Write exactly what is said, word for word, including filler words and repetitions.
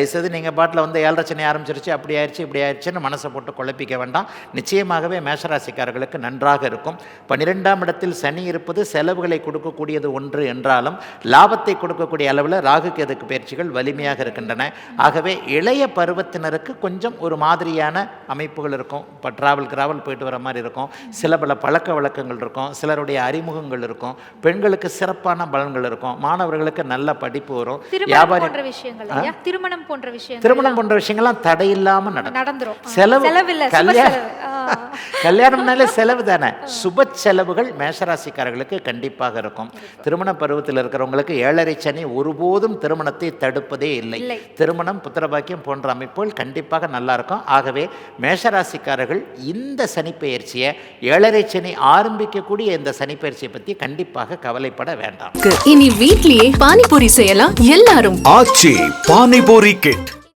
தயவுசெய்து நீங்கள் பாட்டில் வந்து ஏழரை சனி ஆரம்பிச்சிருச்சு, அப்படி ஆயிடுச்சு இப்படி ஆயிடுச்சுன்னு மனசை போட்டு குழப்பிக்க வேண்டாம். நிச்சயமாகவே மேஷராசிக்காரர்களுக்கு நன்றாக இருக்கும். பன்னிரெண்டாம் இடத்தில் சனி இருப்பது செலவுகளை கொடுக்கக்கூடியது ஒன்று என்றாலும் லாபத்தை கொடுக்கக்கூடிய அளவில் ராகு கேதுக்கு பயிற்சிகள் வலிமையாக இருக்கின்றன. ஆகவே இளைய பருவத்தினருக்கு கொஞ்சம் ஒரு மாதிரியான அமைப்புகள் இருக்கும். இப்போ ட்ராவல் கிராவல் போயிட்டு வர மாதிரி இருக்கும். சில பல பழக்க வழக்கங்கள் இருக்கும். சிலருடைய அறிமுகங்கள் இருக்கும். பெண்களுக்கு சிறப்பான பலன்கள் இருக்கும். மாணவர்களுக்கு நல்ல படிப்பு வரும். வியாபாரி திருமணம் போன்ற விஷயங்கள் திருமணம் போன்ற விஷயங்கள்லாம் தடையில்லாமல் நடந்துரும். செலவு கல்யாணம்னாலே செலவு தானே. சுப செலவுகள் மேஷராசிக்காரர்களுக்கு கண்டிப்பாக இருக்கும். திருமண பருவத்தில் இருக்கிறவங்களுக்கு ஏழரை சனி ஒருபோதும் திருமணத்தை தடுப்பதே இல்லை. திருமணம், புத்திரபாக்கியம் போன்ற அமைப்புகள் கண்டிப்பாக நல்லா இருக்கும். ஆகவே மேஷராசிக்காரர்கள் இந்த சனிப்பெயர்ச்சியை, ஏழரை சனி ஆரம்பிக்கக்கூடிய இந்த சனிப்பெயர்ச்சியை பற்றி கண்டிப்பாக கவலைப்பட வேண்டாம். இனி வீட்லயே பானிபூரி செய்யலாம் எல்லாரும். ஆச்சி பானிபூரி கிட்.